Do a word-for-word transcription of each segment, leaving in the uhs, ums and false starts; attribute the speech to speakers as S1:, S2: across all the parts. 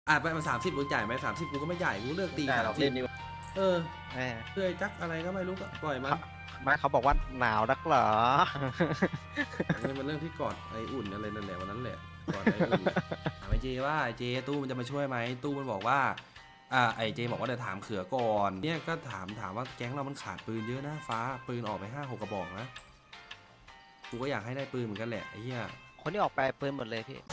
S1: อ่ะไปมาสามสิบมึงจ่ายไหมสามสิบกูก็ไม่จ่ายกูเลือกตี
S2: แต่
S1: สาม
S2: เรา
S1: สิ
S2: เล่
S1: บ
S2: นนี่
S1: เออ
S3: แหม
S1: เพื่อจักอะไรก็ไม่รู้ก็ปล่อยมัน
S3: ไม่เขาบอกว่าหนาวนักเหรอ
S1: นี่มันเรื่องที่กอดไออุ่นอะไรนั่นแหละวันนั้นแหละกอดไออุ่นถามไอเจว่าไอเจตู้มันจะมาช่วยไหมตู้มันบอกว่าอ่าไอเจบอกว่าเดี๋ยวถามเขือก่อนเนี่ยก็ถามถามว่าแก๊งเรามันขาดปืนเยอะนะฟ้าปืนออกไปห้าหกกระบอกนะกูก็อยากให้ได้ปืนเหมือนกันแหละไอ้เหี้ย
S3: คนที่ออกไปปืนหมดเลยพี่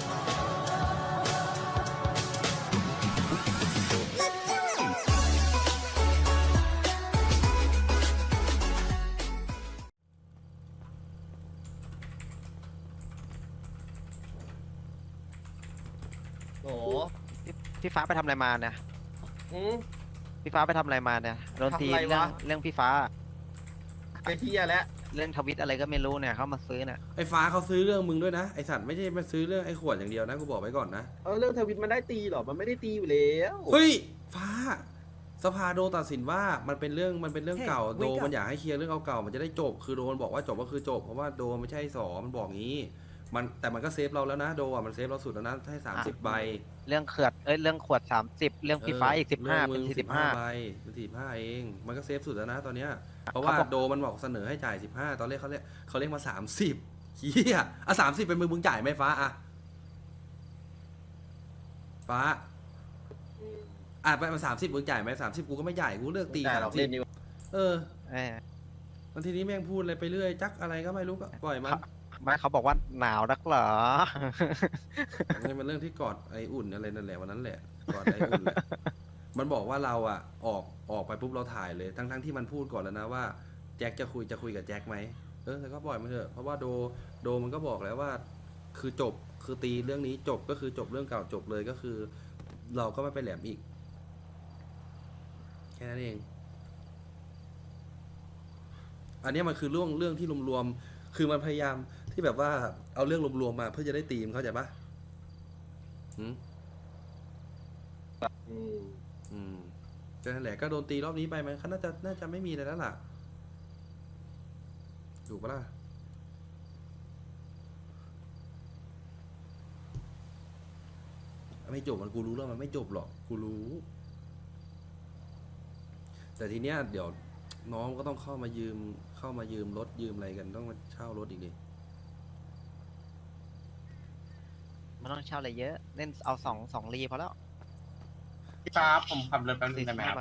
S2: โอ้โห
S3: พี่พี่ฟ้าไปทำอะไรมาเนี่ย
S2: อืม
S3: พี่ฟ้าไปทำอะไรมาเนี่ยโดนตี
S2: ทำอะไร
S3: เรื่อง
S2: วะ
S3: เรื่องพี่ฟ้า
S2: ไอ้เฮียแล้ว
S3: เรื่องทวิตอะไรก็ไม่รู้เนี่ยเขามาซื้อเนี่ย
S1: ไอ้ฟ้าเขาซื้อเรื่องมึงด้วยนะไอสัตว์ไม่ใช่มาซื้อเรื่องไอ้ขวดอย่างเดียวนะกูบอกไว้ก่อนนะ
S2: เออเรื่องทวิตมันได้ตีเหรอมันไม่ได้ตีอยู่แล้ว
S1: เฮ้ยฟ้าสภาโดตัดสินว่ามันเป็นเรื่องมันเป็นเรื่องเก่า
S4: Hey,
S1: โด
S4: wake up
S1: มันอยากให้เคลียร์เรื่องเก่าๆมันจะได้จบคือโดมันบอกว่าจบก็คือจบเพราะว่าโดไม่ใช่สอมันบอกงี้มันแต่มันก็เซฟเราแล้วนะโดอ่ะมันเซฟเราสุดแล้วนะให้สามสิบใบ
S3: เรื่องเขือดเอ้ยเรื่องขวดสามสิบเรื่องพี่ฟ้าอีกสิบห้า
S1: เรื่
S3: เป็
S1: อน งมึง
S3: สี่สิบห้า
S1: ใบเป็นสี่สิบห้าเองมันก็เซฟสุดแล้วนะตอนเนี้ยเพราะว่า
S3: เขาบอก
S1: โดมันบอกเสนอให้จ่ายสิบห้าตอนแรกเขาเรียกเขาเรียกมาสามสิบเฮียอ่ะสามสิบเป็นมึงมึงจ่ายไหมฟ้าอ่ะฟ้าอ่ะไปมาสามสิบมึงจ่ายไหมสามสิบกูก็ไม่จ่ายกูเลือกตี
S2: แต่
S1: สาม
S2: เรา
S1: สิ
S2: เล่
S1: บ
S2: นนี่
S1: เออ
S3: แหม
S1: บางทีนี้แม่งพูดอะไรไปเรื่อยจักอะไรก็ไม่รู้ก็ปล่อยมัน
S3: ไม่เขาบอกว่าหนาวนักเหรอ
S1: นี่มันเรื่องที่กอดไออุ่นอะไรนั่นแหละวันนั้นแหละกอดไออุ่นแหละมันบอกว่าเราอ่ะออกออกไปปุ๊บเราถ่ายเลยทั้งทั้งที่มันพูดก่อนแล้วนะว่าแจ็คจะคุยจะคุยกับแจ็คไหมเออแต่ก็ปล่อยมันเถอะเพราะว่าโดโดมันก็บอกแล้วว่า คือจบคือตีเรื่องนี้จบก็คือจบเรื่องเก่าจบเลยก็คือ เราก็ไม่ไปแหลมอีก แค่นั้นเอง อันนี้มันคือเรื่องเรื่องที่รวมๆคือมันพยายามที่แบบว่าเอาเรื่องรวมๆมาเพื่อจะได้ตีมเข้าใจปะอืม
S2: อืม
S1: อืมแต่นั่นแหละก็โดนตีรอบนี้ไปมันก็น่าจะน่าจะไม่มีอะไรแล้วล่ะถูกปะล่ะไม่จบมันกูรู้แล้วมันไม่จบหรอกกูรู้ แต่ทีเนี้ยเดี๋ยวน้องก็ต้องเข้ามายืมเข้ามายืมรถยืมอะไรกันต้องมาเช่ารถอีกดิ
S3: มันต้องเช่าอะไรเยอะ เล่นเอาสองสองรีพอแล้ว
S5: พี่ฟ้าผมขับรถแป๊บนึ
S3: สี่
S5: ง
S3: สิ
S5: ได้
S3: บ
S5: ไหม
S3: ห้า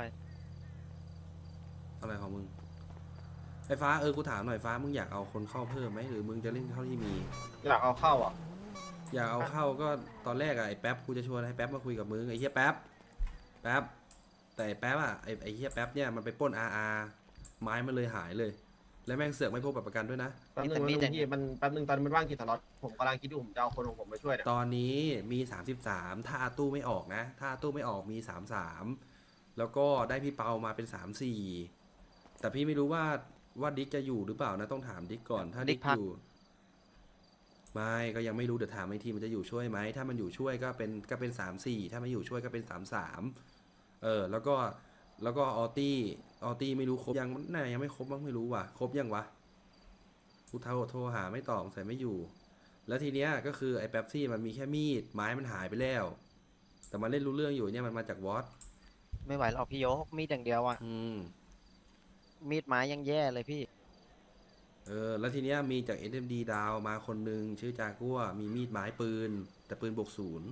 S5: ครับ
S3: ใบ
S1: อะไรของมึงไอ้ฟ้าเออกูถามหน่อยฟ้ามึงอยากเอาคนเข้าเพิ่มไหมหรือมึงจะเล่นเท่าที่มี
S2: อยากเอาเข้าอ่ะ
S1: อยากเอาเข้าก็ตอนแรกอะไอ้แป๊บกูจะชวนให้แป๊บมาคุยกับมึงไอ้เฮียแป๊บแป๊บแต่ไอ้แป๊บอะไอ้ไอ้เฮียแป๊บเนี่ยมันไปปล้นอาร์อาร์ไม้มันเลยหายเลย แล้วแม่งเสือกไม่พกบัตรประกันด้วยนะ
S2: แป๊บนึงแป๊บนึงพี่มันแป๊บนึงตอนนมันว่างกี่สล็อตผมกำลังคิดอยู่ผมจะเอาคนของผมมาช่วยเนี่ย
S1: ตอนนี้มีสามสิบสามถ้าอาตู้ไม่ออกนะ ถ้าอาตู้ไม่ออกมีสามสามแล้วก็ได้พี่เปามาเป็นสามสี่แต่พี่ไม่รู้ว่าว่าดิ๊กจะอยู่หรือเปล่านะต้องถามดิ๊กก่อนถ้าดิ๊กอยู่ไม่ก็ยังไม่รู้เดี๋ยวถามไอ้ทีมันจะอยู่ช่วยไหมถ้ามันอยู่ช่วยก็เป็นก็เป็นสามสี่ถ้าไม่อยู่ช่วยก็เป็นสามสามเออแล้วก็แล้วก็ออตี้ออตี้ไม่รู้ครบยังน่ายังไม่ครบมั้งไม่รู้ว่ะครบยังวะกูโทรโทรหาไม่ตอบใส่ไม่อยู่ แล้วทีเนี้ยก็คือไอ้แป๊บซี่มันมีแค่มีดไม้มันหายไปแล้ว แต่มันเล่นรู้เรื่องอยู่เนี่ยมันมาจากวอต
S3: ไม่ไหวหรอกพี่โยกมีดอย่างเดียวอ่ะ
S1: อืม
S3: มีดไม้ยังแย่เลยพี่
S1: เออแล้วทีเนี้ยมีจาก เอส เอ็ม ดี ดาวมาคนหนึ่งชื่อจากัวมีมีดไม้ปืน แต่ปืนบวกศูนย์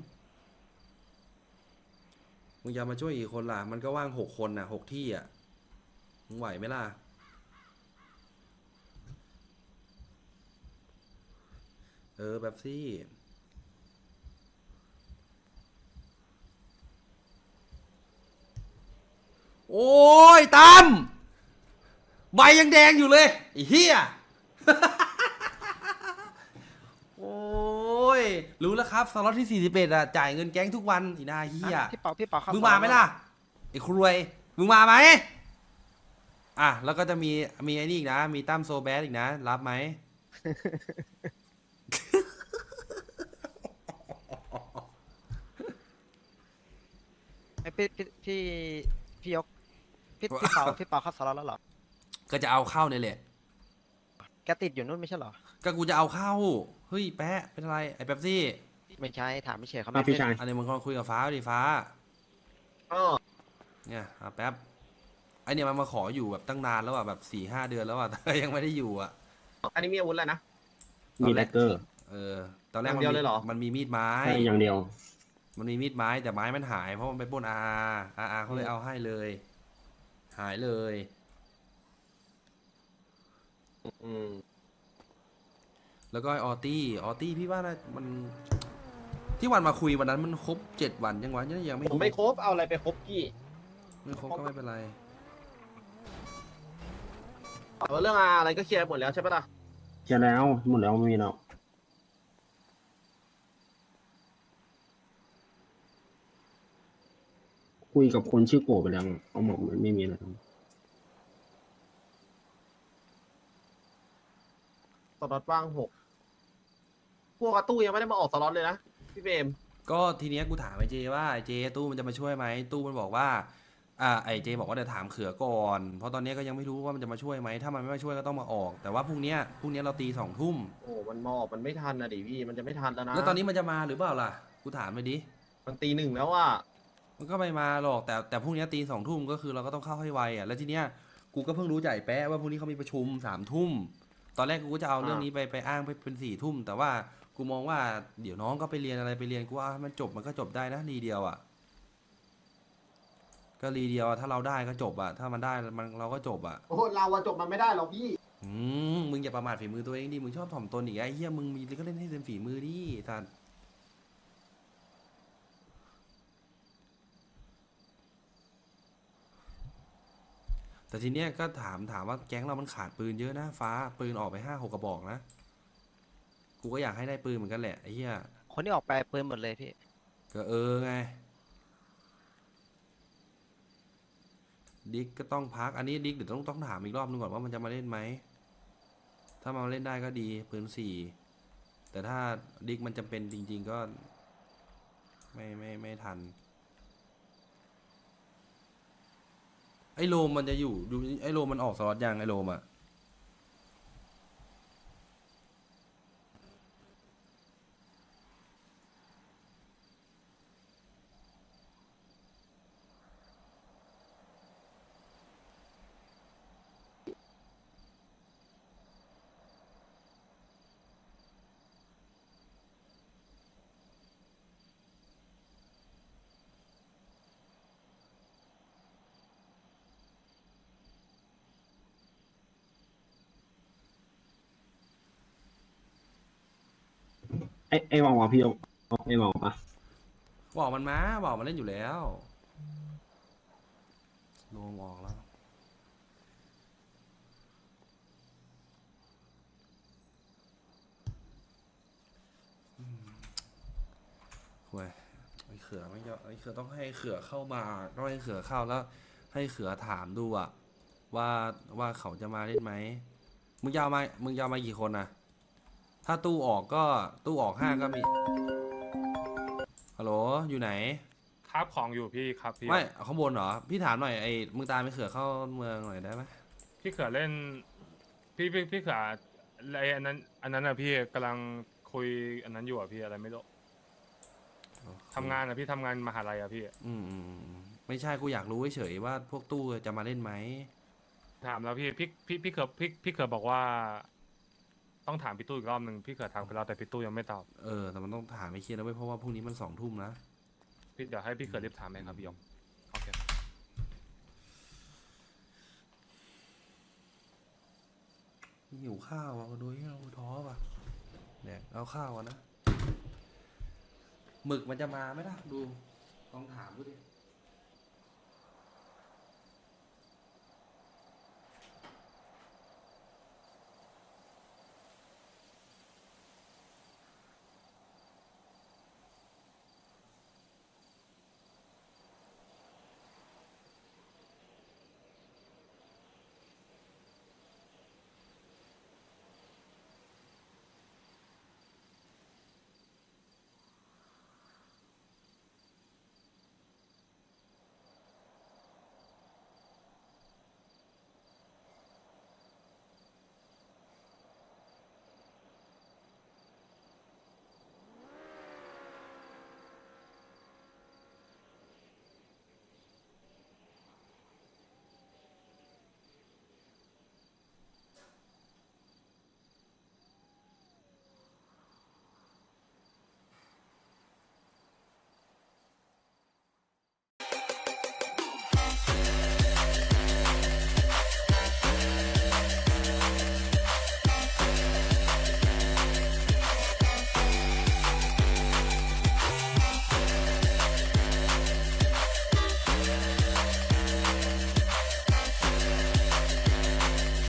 S1: มึงจะมาช่วยอีกคนล่ะ มันก็ว่างหกคนน่ะหกที่อ่ะมึงไหวไหมล่ะ เออแบบซี่โอ้ยตามใบยังแดงอยู่เลยไอ้เหี้ย โอ้ยรู้แล้วครับสล็อตที่สี่สิบเอ็ดอ่ะจ่ายเงินแก๊งทุกวันอีนาเหี้ย
S3: อ่ะพี่เปาพี่เปาเข้า
S1: มึงมาไหมล่ะไอ้ครวยมึงมาไหมอ่ะแล้วก็จะมีมีไอ้นี่อีกนะมีตั้มโซแบสอีกนะรับไหม
S3: ไอ้พี่พี่พี่พี่ยกพี่พี่เปาพี่เปาเข้าสล็อตแล้วเหรอ
S1: ก็จะเอาเข้าเนี่ยแหละ
S3: แกติดอยู่นู่นไม่ใช่เหรอ
S1: ก็กูจะเอาเข้าเฮ้ยแปะเป็นอะไรไอ้แป๊บซี่
S3: ไม่ใช่ถามไม่เฉยเขา
S4: ครั
S3: ไม่
S4: บพี่ชาย
S1: อันนี้มึงลองคุยกับฟ้าดิฟ้า
S2: เออ
S1: เนี่ยอ่ะแป๊บไอเนี่ยมันมาขออยู่แบบตั้งนานแล้วอ่ะแบบสี่ห้าเดือนแล้วอ่ะ แต่ยังไม่ได้อยู่อ่ะ
S2: อันนี้มีอาวุธอะไรนะ
S4: มีแดกเกอร์
S1: เออตอนแรก
S2: อย่าง
S1: มัน
S2: เดียว
S1: มี
S2: เลยเหรอ
S1: มันมีมีดไม้
S4: ใช่อย่างเดียว
S1: มันมีมีดไม้แต่ไม้มันหายเพราะมันไปปล้นอาอาอาเขาเลยเอาให้เลย หายเลย
S2: อืม
S1: แล้วก็ไอ้ออตี้ออตี้พี่ว่าน่ามัน ที่วันมาคุยวันนั้นมันครบเจ็ดวันยังวะยังยังไม่
S2: ผมไม่ครบเอาอะไรไปครบพี่
S1: ไม่ครบก็ไม่เป็นไร
S2: แต่ว่าเรื่องอะไรก็เคลียร์หมดแล้วใช่ปะล่ะ
S4: เคลียร์แล้วหมดแล้วไม่มีแล้วคุยกับคนชื่อโกไปแล้วเขาบอกมันไม่มีอะไร
S2: สล็อตว่างหกพวกกระตู้ยังไม่ได้มาออกสล็อตเลยนะพี่เบม
S1: ก็ทีเนี้ยกูถามไอเจว่าไอเจตู้มันจะมาช่วยไหมตู้มันบอกว่าอ่าไอเจบอกว่าเดี๋ยวถามเขือก่อนเพราะตอนเนี้ยก็ยังไม่รู้ว่ามันจะมาช่วยไหมถ้ามันไม่มาช่วยก็ต้องมาออก แต่ว่าพรุ่งเนี้ยพรุ่งเนี้ยเราตีสองทุ่ม
S2: โอ้มันมาออกมันไม่ทันนะดิพี่มันจะไม่ทันแล้วนะ
S1: แล้วตอนนี้มันจะมาหรือเปล่าล่ะกูถามไปดิ
S2: มันตีหนึ่งแล้วอ่ะ
S1: มันก็ไม่มาหรอกแต่แต่พรุ่งเนี้ยตีสองทุ่มก็คือเราก็ต้องเข้าให้ไวอ่ะแล้วทีเนี้ยกูก็เพิ่งรู้จากไอ้แป๊ะว่าพรุ่งนี้เขามีประชุมสามทุ่มตอนแรกกูก็จะเอาเรื่องนี้ไปไปอ้างไปเป็นสี่ทุ่มแต่ว่ากูมองว่าเดี๋ยวน้องก็ไปเรียนอะไรไปเรียนกูว่ามันจบมันก็จบได้นะรีเดียวอ่ะก็รีเดียวอะถ้าเราได้ก็จบอ่ะถ้ามันได้มันเราก็จบอ่ะ
S2: โอ้เราอะจบมันไม่ได้หรอกพี่
S1: อืมมึงอย่าประมาทฝีมือตัวเองดิมึงชอบถ่อมตนอีกไอ้เหี้ยมึงมีก็เล่นให้เต็มฝีมือดิท่านแต่ทีเนี้ยก็ถามถามว่าแก๊งเรามันขาดปืนเยอะนะฟ้าปืนออกไปห้าหกกระบอกนะกูก็อยากให้ได้ปืนเหมือนกันแหละไอ้เหี้ย
S3: คนที่ออกไปปืนหมดเลยพี่
S1: ก็เออไงดิกก็ต้องพักอันนี้ดิกเดี๋ยวต้องต้องถามอีกรอบนึงก่อนว่ามันจะมาเล่นไหมถ้ามาเล่นได้ก็ดีปืนสี่แต่ถ้าดิกมันจำเป็นจริง ๆ ก็ไม่ไม่ไม่ทันไอ้โลมมันจะอยู่อยู่ไอ้โลมมันออกสล็อตยังไอ้โลมอะ
S4: ไอ้ไอ้วางวะพี่เอาไอ้วางปะ
S1: บอกมันมาบอกมันเล่นอยู่แล้วโลมออกแล้วห่วยไอ้เขือไม่ยอมไอ้เขือต้องให้เขือเข้ามาต้องให้เขือเข้าแล้ว ให้เขือถามดูอะว่าว่าเขาจะมาเล่นไหมมึงจะเอามามึงจะเอามากี่คนนะถ้าตู้ออกก็ตู้ออกห้าก็มีฮัลโหลอยู่ไหน
S5: คาบของอยู่พี่ครับพี่
S1: ไม่ข้างบนเหรอพี่ถามหน่อยไอ้มึงตามไปเขือเข้าเมืองหน่อยได้ไหม
S5: พี่เขือเล่น พี่พี่พี่เขือไออันนั้น อันนั้นอะพี่กำลังคุยอันนั้นอยู่อะพี่อะไรไม่รู้ทำงานอะพี่ทำงานมหาลัยอะพี่
S1: อืมอืมอืมไม่ใช่กูอยากรู้เฉยๆว่าพวกตู้จะมาเล่นไหม
S5: ถามแล้วพี่พี่พี่พี่เขือพี่พี่เขือบอกว่า ต้องถามพี่ตู้อีกรอบหนึ่งพี่เขือถามไปแล้วแต่พี่ตู้ยังไม่ตอบ
S1: เออแต่มันต้องถามไม่เคลียร์นะเว้ยเพราะว่าพรุ่งนี้มันสองทุ่มนะ
S5: พี่เดี๋ยวให้พี่เขือรีบถามเองครับพี่ยงโอเค
S1: หิวข้าวอ่ะก็ดูให้เราท้อป่ะแดกเอาข้าวอ่ะนะหมึกมันจะมาไหมล่ะดูลองถามดูดิ